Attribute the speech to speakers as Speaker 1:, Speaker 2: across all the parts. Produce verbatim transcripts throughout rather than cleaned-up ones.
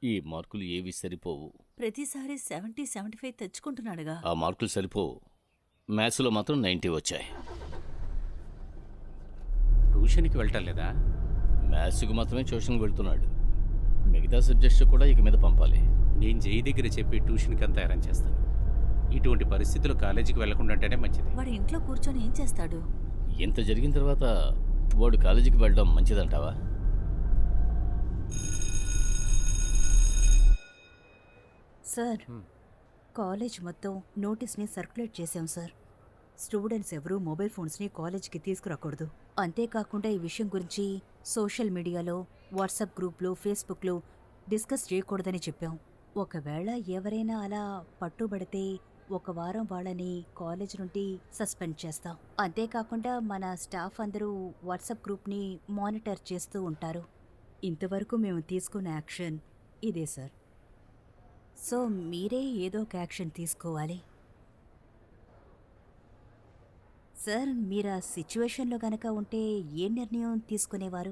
Speaker 1: ఈ మార్కులు ఏవి సరిపోవు.
Speaker 2: ప్రతిసారి సెవెంటీ సెవెంటీ ఫైవ్ తెచ్చుకుంటున్నాడుగా.
Speaker 1: ఆ మార్కులు సరిపోవు. మ్యాథ్స్లో మాత్రం నైంటీ వచ్చాయి.
Speaker 3: ట్యూషన్కి వెళ్ళటం లేదా?
Speaker 1: మ్యాథ్స్కి మాత్రమే ట్యూషన్కి వెళ్తున్నాడు. మిగతా సబ్జెక్ట్స్ కూడా ఇక మీద పంపాలి.
Speaker 3: నేను జై దగ్గర చెప్పి ట్యూషన్కి అంతా అరేంజ్ చేస్తాను. ఇటువంటి పరిస్థితులు కాలేజీకి వెళ్లకుండా ఉంటేనే మంచిది.
Speaker 2: వాడు ఇంట్లో కూర్చొని ఏం చేస్తాడు?
Speaker 1: ఇంత జరిగిన తర్వాత వాడు కాలేజీకి వెళ్ళడం మంచిదంటావా?
Speaker 2: సార్, కాలేజ్ మొత్తం నోటీస్ని సర్క్యులేట్ చేశాం సార్. స్టూడెంట్స్ ఎవరూ మొబైల్ ఫోన్స్ని కాలేజ్కి తీసుకురాకూడదు. అంతేకాకుండా ఈ విషయం గురించి సోషల్ మీడియాలో, వాట్సాప్ గ్రూప్లో, ఫేస్బుక్లో డిస్కస్ చేయకూడదని చెప్పాం. ఒకవేళ ఎవరైనా అలా పట్టుబడితే ఒక వారం వాళ్ళని కాలేజ్ నుండి సస్పెండ్ చేస్తాం. అంతేకాకుండా మన స్టాఫ్ అందరూ వాట్సాప్ గ్రూప్ని మానిటర్ చేస్తూ ఉంటారు. ఇంతవరకు మేము తీసుకున్న యాక్షన్ ఇదే సార్. సో మీరే ఏదో ఒక యాక్షన్ తీసుకోవాలి సార్. మీరు ఆ సిచ్యువేషన్లో గనక ఉంటే ఏ నిర్ణయం తీసుకునేవారు?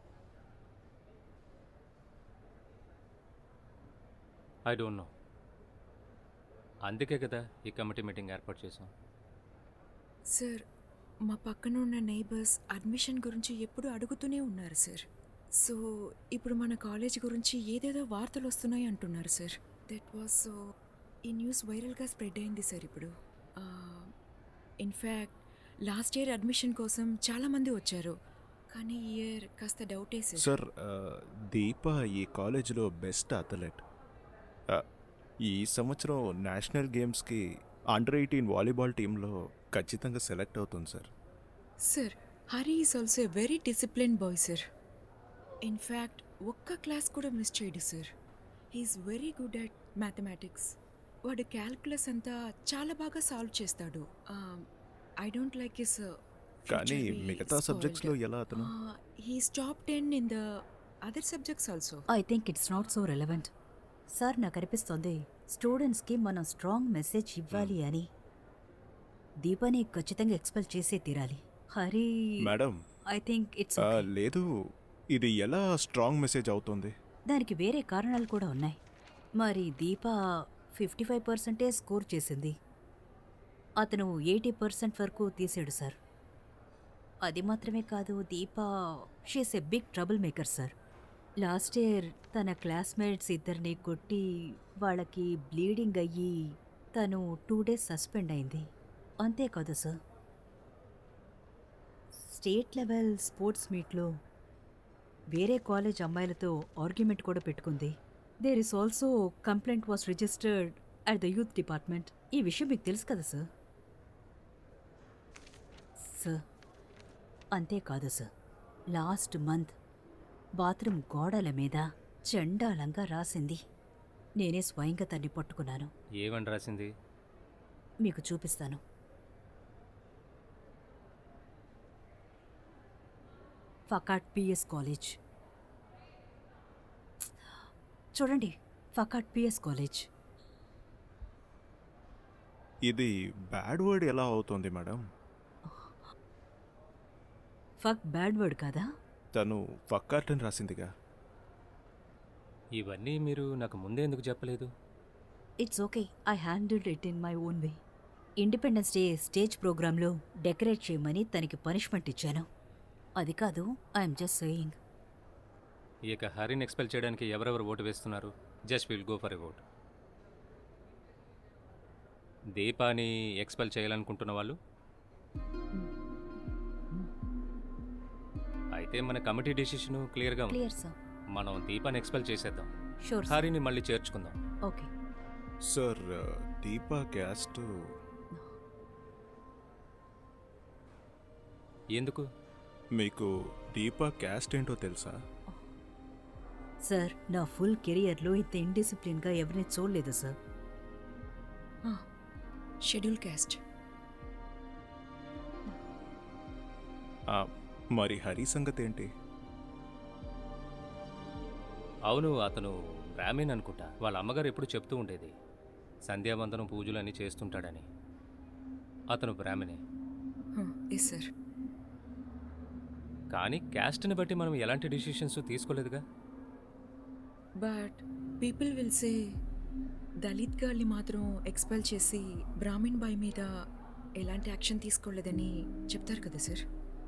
Speaker 3: I don't know. అందుకే కదా ఈ కమిటీ మీటింగ్ ఏర్పాటు చేసాం.
Speaker 4: సార్, మా పక్కన ఉన్న నైబర్స్ అడ్మిషన్ గురించి ఎప్పుడు అడుగుతూనే ఉన్నారు సార్. సో ఇప్పుడు మన కాలేజ్ గురించి ఏదేదో వార్తలు వస్తున్నాయి అంటున్నారు సార్. దట్ వాజ్ సో ఈ న్యూస్ వైరల్గా స్ప్రెడ్ అయింది సార్. ఇప్పుడు ఇన్ఫ్యాక్ట్ లాస్ట్ ఇయర్ అడ్మిషన్ కోసం చాలామంది వచ్చారు, కానీ ఈ ఇయర్ కాస్త డౌటే సార్.
Speaker 5: సార్, దీప ఈ కాలేజీలో బెస్ట్ అథ్లెట్. ఈ సంవత్సరం నేషనల్ గేమ్స్కి అండర్ ఎయిటీన్ వాలీబాల్ టీంలో ఖచ్చితంగా సెలెక్ట్ అవుతుంది sir.
Speaker 4: Sir, Hari is also a very discipline boy sir. In fact ఒక్క క్లాస్ కూడా మిస్ చేయడు sir. He's very good at mathematics. వాడు క్యాల్కులస్ అంతా చాలా బాగా సాల్వ్ చేస్తాడు. ఐ డోంట్ లైక్ హిస్
Speaker 5: కానీ మిగతా సబ్జెక్ట్స్లో ఎలా అతను?
Speaker 4: He's top ten in the other subjects also.
Speaker 2: I think it's not so relevant sir. నాకు అనిపిస్తుంది స్టూడెంట్స్కి మనం స్ట్రాంగ్ మెసేజ్ ఇవ్వాలి అని. దీపాని ఖచ్చితంగా ఎక్స్పెల్ చేసే తీరాలి. Hari
Speaker 5: madam,
Speaker 2: I think it's
Speaker 5: లేదు, ఇది ఎలా స్ట్రాంగ్ మెసేజ్ అవుతుంది?
Speaker 2: దానికి వేరే కారణాలు కూడా ఉన్నాయి. మరి దీప ఫిఫ్టీ ఫైవ్ పర్సెంటే స్కోర్ చేసింది, అతను ఎయిటీ పర్సెంట్ వరకు తీసాడు సార్. అది మాత్రమే కాదు, Deepa she's a big trouble maker sir. Last year తన క్లాస్మేట్స్ ఇద్దరిని కొట్టి వాళ్ళకి బ్లీడింగ్ అయ్యి తను టూ డేస్ సస్పెండ్ అయింది. అంతేకాదు సార్, స్టేట్ లెవెల్ స్పోర్ట్స్ మీట్లో వేరే కాలేజ్ అమ్మాయిలతో ఆర్గ్యుమెంట్ కూడా పెట్టుకుంది. There is also complaint was registered at the youth department. ఈ విషయం మీకు తెలుసు కదా సార్. సార్, అంతేకాదు సార్, లాస్ట్ మంత్ బాత్రూమ్ గోడల మీద చండాలంగా రాసింది. నేనే స్వయంగా తన్ని పట్టుకున్నాను.
Speaker 3: ఏమని రాసింది?
Speaker 2: మీకు చూపిస్తాను. ఫకాట్ పిఎస్ కాలేజ్ చూడండి, ఫకాట్ పిఎస్ కాలేజ్.
Speaker 5: ఇది బ్యాడ్ వర్డ్ ఎలా అవుతుంది మేడం?
Speaker 2: ఫక్ బ్యాడ్ వర్డ్ కదా?
Speaker 5: తను ఫక్కార్ట్ అని రాసిందిగా.
Speaker 3: ఇవన్నీ మీరు నాకు ముందే ఎందుకు చెప్పలేదు?
Speaker 2: It's okay, I handled it in my own way. Independence day stage ప్రోగ్రాంలో డెకరేట్ చేయమని తనకి పనిష్మెంట్ ఇచ్చాను. అది కాదు, ఐఎమ్ జస్ట్ సేయింగ్.
Speaker 3: ఇక హరిని ఎక్స్పెల్ చేయడానికి ఎవరెవరు ఓటు వేస్తున్నారు? Just will go for a vote. దీపాని ఎక్స్పెల్ చేయాలనుకుంటున్న వాళ్ళు? అయితే మన కమిటీ డిసిషన్ క్లియర్గా ఉంది.
Speaker 2: Clear sir.
Speaker 3: మనం దీపాన్ని ఎక్స్పెల్ చేసేద్దాం,
Speaker 2: షూర్.
Speaker 3: హరిని మళ్ళీ చేర్చుకుందాం.
Speaker 2: ఓకే
Speaker 5: సార్, దీపా క్యాస్ట్
Speaker 3: ఎందుకు?
Speaker 5: మీకు దీపా క్యాస్ట్ ఏంటో తెలుసా?
Speaker 2: సార్, నా ఫుల్ కెరియర్లో ఇంత ఇండిసిప్లిన్గా ఎవరిని చూడలేదు సార్.
Speaker 4: Schedule caste.
Speaker 5: మరి హరి సంగతి ఏంటి?
Speaker 3: అవును, అతను బ్రాహ్మణ్ అనుకుంటా. వాళ్ళ అమ్మగారు ఎప్పుడు చెప్తూ ఉండేది సంధ్యావందనం పూజలు అన్నీ చేస్తుంటాడని. అతను బ్రాహ్మణే.
Speaker 4: Yes sir.
Speaker 3: కానీ క్యాస్ట్ని బట్టి మనం ఎలాంటి డిసిషన్స్ తీసుకోలేదుగా.
Speaker 4: But people will say Dalit గర్ల్ని మాత్రం ఎక్స్పెల్ చేసి బ్రాహ్మిన్ బాయ్ మీద ఎలాంటి యాక్షన్ తీసుకోలేదని చెప్తారు కదా సార్.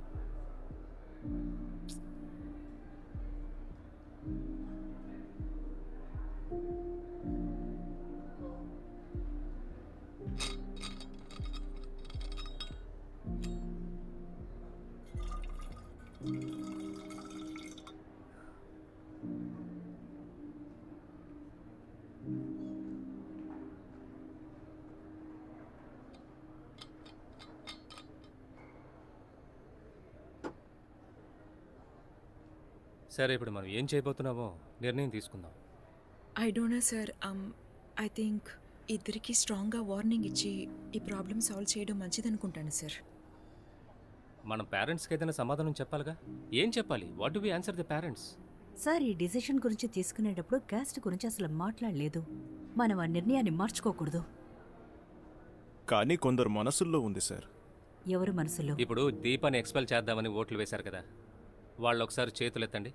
Speaker 3: సరే, ఇప్పుడు మనం ఏం చేయబోతున్నామో నిర్ణయం తీసుకుందాం.
Speaker 4: I don't know sir. I think ఇద్దరికి స్ట్రాంగ్గా వార్నింగ్ ఇచ్చి ఈ ప్రాబ్లమ్ సాల్వ్ చేయడం మంచిదనుకుంటాను సార్.
Speaker 3: మనం పేరెంట్స్కి ఏదైనా సమాధానం చెప్పాలిగా. ఏం చెప్పాలి? What do we answer the parents?
Speaker 2: Sir, ఈ డిసిషన్ గురించి తీసుకునేటప్పుడు క్యాస్ట్ గురించి అసలు మాట్లాడలేదు. మనం ఆ నిర్ణయాన్ని మార్చుకోకూడదు.
Speaker 5: కానీ కొందరు మనసుల్లో ఉంది సార్.
Speaker 2: ఎవరు మనసులో?
Speaker 3: ఇప్పుడు దీపాన్ని ఎక్స్పెల్ చేద్దామని ఓట్లు వేశారు కదా, వాళ్ళు ఒకసారి చేతులు ఎత్తండి.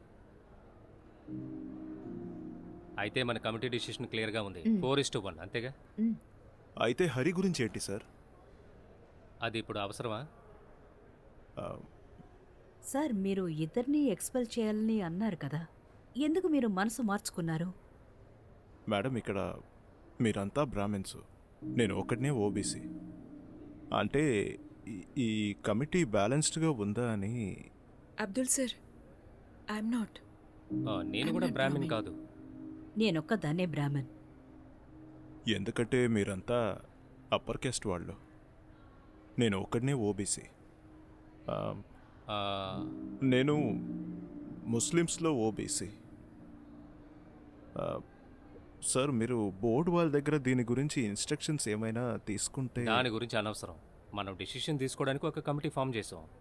Speaker 3: అయితే మన కమిటీ డిసిషన్ క్లియర్గా ఉంది. ఫోర్ ఇస్ టు వన్, అంతేగా?
Speaker 2: మ్,
Speaker 5: అయితే హరి గురించి ఏంటి సార్?
Speaker 3: అది ఇప్పుడు అవసరమా?
Speaker 5: ఆ,
Speaker 2: సార్, మీరు ఇద్దరినీ ఎక్స్పెల్ చేయాలని అన్నారు కదా, ఎందుకు మీరు మనసు మార్చుకున్నారు?
Speaker 5: మేడం, ఇక్కడ మీరంతా బ్రాహ్మిన్స్, నేను ఒకటినే ఓబీసీ. అంటే ఈ- ఈ కమిటీ బ్యాలెన్స్డ్గా ఉందా అని.
Speaker 4: Abdul sir, I'm not.
Speaker 3: ఆ, నేను కూడా బ్రాహ్మణ్ కాదు.
Speaker 2: నేనొక్కదాన్నే బ్రాహ్మణ్.
Speaker 5: ఎందుకంటే మీరంతా అప్పర్ క్యాస్ట్ వాళ్ళు, నేను ఒకటినే ఓబీసీ.
Speaker 3: ఆ,
Speaker 5: నేను ముస్లిమ్స్లో ఓబీసీ. సార్, మీరు బోర్డు వాళ్ళ దగ్గర దీని గురించి ఇన్స్ట్రక్షన్స్ ఏమైనా తీసుకుంటే.
Speaker 3: దాని గురించి అనవసరం. మనం డిసిషన్ తీసుకోవడానికి ఒక కమిటీ ఫామ్ చేసాం.